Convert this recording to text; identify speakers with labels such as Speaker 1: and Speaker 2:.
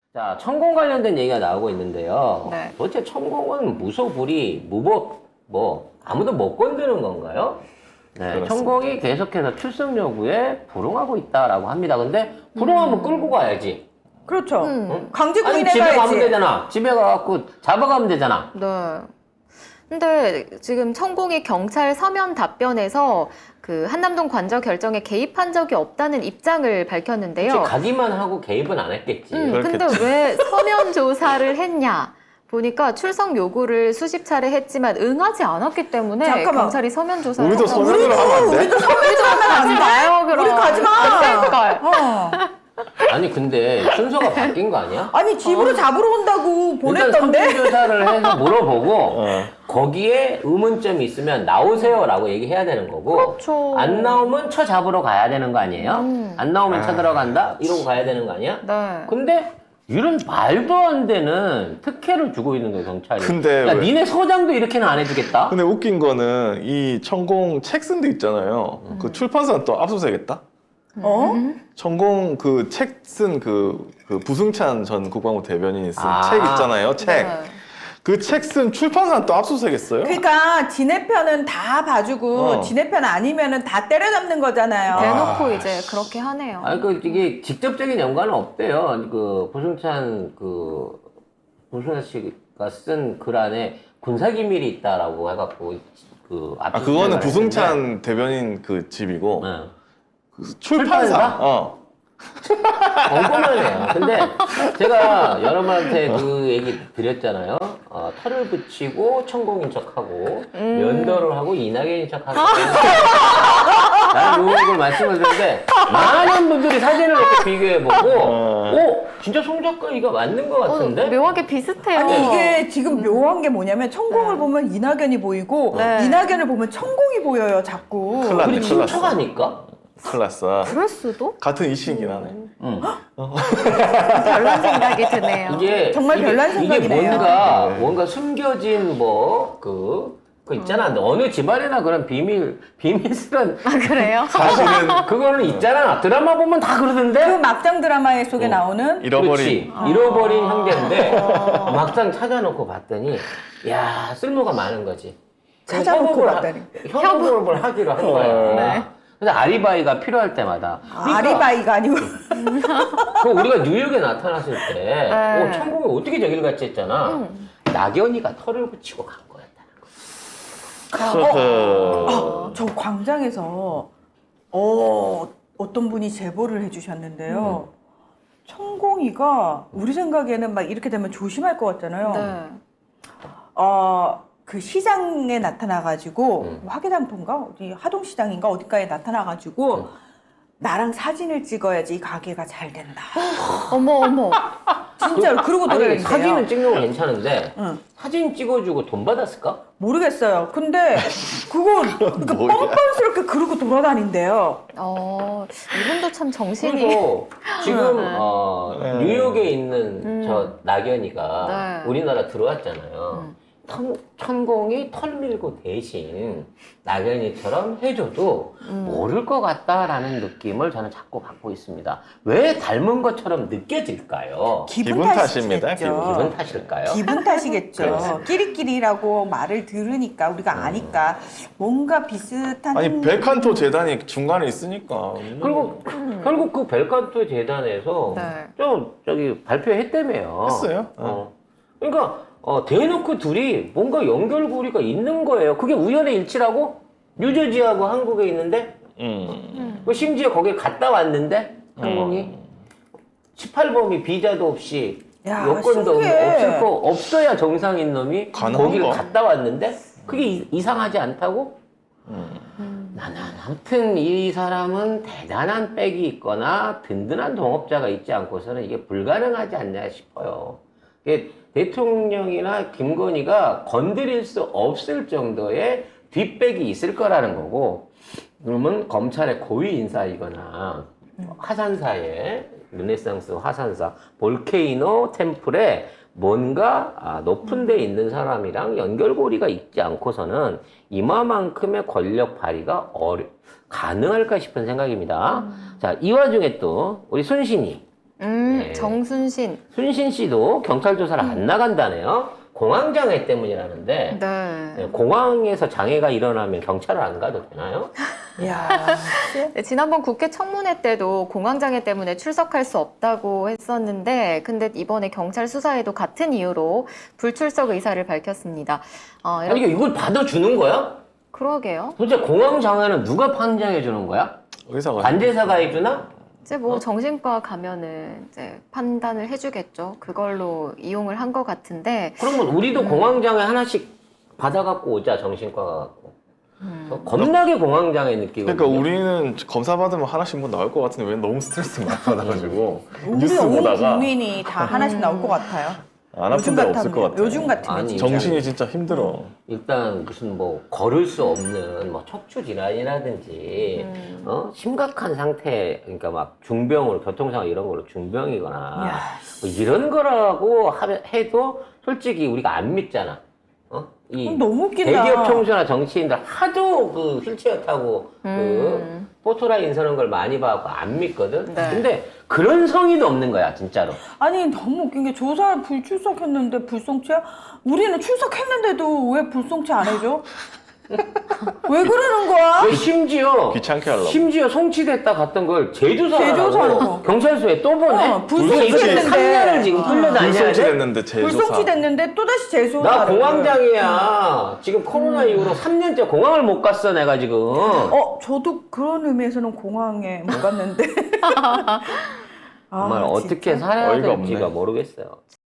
Speaker 1: 자, 천공 관련된 얘기가 나오고 있는데요.
Speaker 2: 네.
Speaker 1: 도대체 천공은 무소불위, 무법, 아무도 못 건드는 건가요? 네,
Speaker 3: 그렇습니다.
Speaker 1: 천공이 계속해서 출석 요구에 불응하고 있다라고 합니다. 근데 불응하면 끌고 가야지.
Speaker 4: 그렇죠.
Speaker 1: 아니,
Speaker 4: 강제구인해
Speaker 1: 집에 가면
Speaker 4: 가야지.
Speaker 1: 되잖아. 집에 가갖고 잡아가면 되잖아.
Speaker 2: 네. 근데 지금 천공이 경찰 서면 답변에서 그 한남동 관저 결정에 개입한 적이 없다는 입장을 밝혔는데요.
Speaker 1: 혹시 가기만 하고 개입은 안 했겠지.
Speaker 2: 근데
Speaker 3: 그렇겠지.
Speaker 2: 왜 서면 조사를 했냐? 보니까 출석 요구를 수십 차례 했지만 응하지 않았기 때문에
Speaker 4: 잠깐만.
Speaker 2: 경찰이 서면 조사를
Speaker 3: 우리도
Speaker 2: 했다고.
Speaker 3: 서면으로 하면 안 돼?
Speaker 4: 우리도 서면으로 하면 안
Speaker 2: 가지
Speaker 4: 돼.
Speaker 2: 마요, 그럼.
Speaker 4: 우리 가지 마.
Speaker 2: 안 될걸.
Speaker 1: 아니, 근데 순서가 바뀐 거 아니야?
Speaker 4: 아니 집으로 잡으러 온다고
Speaker 1: 일단
Speaker 4: 보냈던데.
Speaker 1: 설문조사를 해서 물어보고
Speaker 3: 어.
Speaker 1: 거기에 의문점이 있으면 나오세요라고 얘기해야 되는 거고
Speaker 2: 그렇죠.
Speaker 1: 안 나오면 쳐 잡으러 가야 되는 거 아니에요? 안 나오면 쳐
Speaker 3: 아.
Speaker 1: 들어간다? 이러고 가야 되는 거 아니야?
Speaker 2: 네.
Speaker 1: 근데 이런 말도 안 되는 특혜를 주고 있는 거예요, 경찰이.
Speaker 3: 근데
Speaker 1: 야,
Speaker 3: 왜-
Speaker 1: 니네 서장도 이렇게는 안 해주겠다?
Speaker 3: 근데 웃긴 거는 이 천공 책 쓴 데 있잖아요. 그 출판사는 또 압수수색했다?
Speaker 4: 어?
Speaker 3: 천공 그 책 쓴 그 부승찬 전 국방부 대변인이 쓴
Speaker 1: 아.
Speaker 3: 책 있잖아요. 책.
Speaker 2: 네.
Speaker 3: 그 책 쓴 출판사는 또 압수수색했어요.
Speaker 4: 그러니까 지네 편은 다 봐주고
Speaker 3: 어.
Speaker 4: 지네 편 아니면은 다 때려잡는 거잖아요.
Speaker 2: 대놓고 이제 그렇게 하네요.
Speaker 1: 아니, 이게 직접적인 연관은 없대요. 부승찬 씨가 쓴 글 안에 군사기밀이 있다라고 해갖고,
Speaker 3: 아, 그거는 부승찬 대변인 그 집이고
Speaker 1: 네.
Speaker 3: 그 출판사.
Speaker 1: 출판사? 엉뚱하네요. 근데 제가 여러분한테 그 얘기 드렸잖아요. 털을 붙이고 천공인 척하고 면도를 하고 이낙연인 척하고 나는 요걸 말씀을 드렸는데 많은 분들이 사진을 놓고 비교해보고 진짜 송 작가 이거 맞는 것 같은데?
Speaker 2: 묘하게 비슷해요.
Speaker 4: 아니 이게 지금 묘한 게 뭐냐면 천공을 보면 이낙연이 보이고
Speaker 2: 네.
Speaker 4: 이낙연을 보면 천공이 보여요 자꾸.
Speaker 3: 큰일 났네.
Speaker 1: 우리 친척 아닐까?
Speaker 3: 클라스.
Speaker 2: 그럴 수도?
Speaker 3: 같은 이슈이긴 하네.
Speaker 2: 별난 생각이 드네요.
Speaker 1: 이게
Speaker 4: 정말 별난
Speaker 1: 이게
Speaker 4: 생각이네요.
Speaker 1: 뭔가 숨겨진 그거 있잖아. 어느 집안에나 그런 비밀스런
Speaker 2: 아, 그래요?
Speaker 3: 사실은
Speaker 1: 그거는 있잖아. 드라마 보면 다
Speaker 4: 그
Speaker 1: 그러던데.
Speaker 4: 막장 드라마 속에 나오는
Speaker 3: 잃어버린.
Speaker 1: 그렇지. 잃어버린 형제인데 막상 찾아놓고 봤더니 야 쓸모가 많은 거지.
Speaker 4: 찾아놓고 봤다니.
Speaker 1: 협업을 하기로 한 거야.
Speaker 2: 네.
Speaker 1: 그래서 아리바이가 필요할 때마다. 그러니까
Speaker 4: 아리바이가 아니고
Speaker 1: 그 우리가 뉴욕에 나타났을 때,
Speaker 2: 네.
Speaker 1: 천공이 어떻게 저길 갔지 했잖아. 낙연이가 털을 붙이고 간 거였다는 거.
Speaker 4: 저 광장에서 어떤 분이 제보를 해주셨는데요. 천공이가 우리 생각에는 막 이렇게 되면 조심할 것 같잖아요.
Speaker 2: 네.
Speaker 4: 그 시장에 나타나가지고 화계담포인가 어디 하동시장인가 어디가에 나타나가지고 나랑 사진을 찍어야지 이 가게가 잘 된다.
Speaker 2: 어머.
Speaker 4: 진짜로 그러고
Speaker 1: 아니,
Speaker 4: 돌아다닌대요.
Speaker 1: 사진은 찍는 건 괜찮은데,
Speaker 4: 응.
Speaker 1: 사진 찍어주고 돈 받았을까?
Speaker 4: 모르겠어요. 근데 그거 그러니까
Speaker 3: 뭐야.
Speaker 4: 뻔뻔스럽게 그러고 돌아다닌대요.
Speaker 2: 이분도 참 정신이.
Speaker 1: 그래서 지금
Speaker 3: 네.
Speaker 1: 뉴욕에 있는 저 낙연이가
Speaker 2: 네.
Speaker 1: 우리나라 들어왔잖아요. 천공이 털 밀고 대신 낙연이처럼 해줘도 모를 것 같다라는 느낌을 저는 자꾸 받고 있습니다. 왜 닮은 것처럼 느껴질까요?
Speaker 3: 기분 탓입니다,
Speaker 1: 기분 탓일까요?
Speaker 4: 기분 탓이겠죠.
Speaker 1: 그렇습니다.
Speaker 4: 끼리끼리라고 말을 들으니까 우리가 아니까 뭔가 비슷한
Speaker 3: 아니 벨칸토 재단이 중간에 있으니까.
Speaker 1: 그리고 결국 그 벨칸토 재단에서
Speaker 2: 네.
Speaker 1: 저기 발표했다며요.
Speaker 3: 했어요?
Speaker 1: 그러니까 대놓고 둘이 뭔가 연결고리가 있는 거예요. 그게 우연의 일치라고? 뉴저지하고 한국에 있는데 심지어 거길 갔다 왔는데 항공이 18범이 비자도 없이
Speaker 4: 야,
Speaker 1: 여권도
Speaker 4: 신기해.
Speaker 1: 없어야 정상인 놈이
Speaker 3: 가능한
Speaker 1: 거길
Speaker 3: 거.
Speaker 1: 갔다 왔는데 그게 이상하지 않다고? 나는 아무튼 이 사람은 대단한 백이 있거나 든든한 동업자가 있지 않고서는 이게 불가능하지 않냐 싶어요. 이게 대통령이나 김건희가 건드릴 수 없을 정도의 뒷백이 있을 거라는 거고, 그러면 검찰의 고위 인사이거나 화산사에 르네상스 화산사 볼케이노 템플에 뭔가 높은 데 있는 사람이랑 연결고리가 있지 않고서는 이마만큼의 권력 발휘가 가능할까 싶은 생각입니다. 자, 이 와중에 또 우리 순신이 네.
Speaker 2: 정순신.
Speaker 1: 순신 씨도 경찰 조사를 안 나간다네요. 공황장애 때문이라는데
Speaker 2: 네.
Speaker 1: 네, 공황에서 장애가 일어나면 경찰을 안 가도 되나요?
Speaker 4: 야,
Speaker 2: 네, 지난번 국회 청문회 때도 공황장애 때문에 출석할 수 없다고 했었는데, 근데 이번에 경찰 수사에도 같은 이유로 불출석 의사를 밝혔습니다.
Speaker 1: 아니 이걸 받아주는 거야?
Speaker 2: 그러게요.
Speaker 1: 도대체 공황장애는 누가 판정해 주는 거야?
Speaker 3: 의사가
Speaker 1: 관제사가 해주나?
Speaker 2: 이제 뭐 정신과 가면은 이제 판단을 해주겠죠. 그걸로 이용을 한 것 같은데,
Speaker 1: 그러면 우리도 공황장애 하나씩 받아갖고 오자, 정신과 가갖고. 겁나게 공황장애 느끼고.
Speaker 3: 그러니까 우리는 검사 받으면 하나씩 뭐 나올 것 같은데 왜 너무 스트레스 많이 받아가지고 뉴스
Speaker 4: 우리 온
Speaker 3: 보다가
Speaker 4: 국민이 다 하나씩 나올 것 같아요.
Speaker 3: 안 아픈 데 없을 것 같아.
Speaker 4: 요즘 같으면
Speaker 1: 아니,
Speaker 4: 진짜.
Speaker 3: 정신이 진짜 힘들어.
Speaker 1: 일단 무슨 뭐 걸을 수 없는 뭐 척추 질환이라든지 심각한 상태, 그러니까 막 중병으로 교통상황 이런 걸로 중병이거나
Speaker 4: 야.
Speaker 1: 뭐 이런 거라고 해도 솔직히 우리가 안 믿잖아. 이
Speaker 4: 너무 웃긴다.
Speaker 1: 대기업 총수나 정치인들 하도 그 휠체어 타고 그 포토라인 서는 걸 많이 봐갖고 안 믿거든.
Speaker 2: 네.
Speaker 1: 근데 그런 성의도 없는 거야, 진짜로.
Speaker 4: 아니 너무 웃긴 게 조사 불출석했는데 불송치야? 우리는 출석했는데도 왜 불송치 안 해줘? 왜 그러는 거야?
Speaker 1: 왜 심지어
Speaker 3: 귀찮게 하려고.
Speaker 1: 심지어 송치됐다 갔던 걸
Speaker 4: 제조사라고.
Speaker 1: 제조사라고 경찰서에 또 보내?
Speaker 4: 불송치
Speaker 1: 이거
Speaker 4: 됐는데.
Speaker 1: 3년을 지금 끌려다녀야
Speaker 3: 불송치
Speaker 1: 돼?
Speaker 3: 됐는데 재조사.
Speaker 4: 불송치 됐는데 또다시 재조사.
Speaker 1: 나 공황장애야. 지금 코로나 이후로 3년째 공항을 못 갔어, 내가 지금.
Speaker 4: 저도 그런 의미에서는 공항에 못 갔는데.
Speaker 1: 정말
Speaker 4: 아,
Speaker 1: 어떻게
Speaker 4: 진짜?
Speaker 1: 살아야
Speaker 3: 어이가
Speaker 1: 될지가
Speaker 3: 없네.
Speaker 1: 모르겠어요.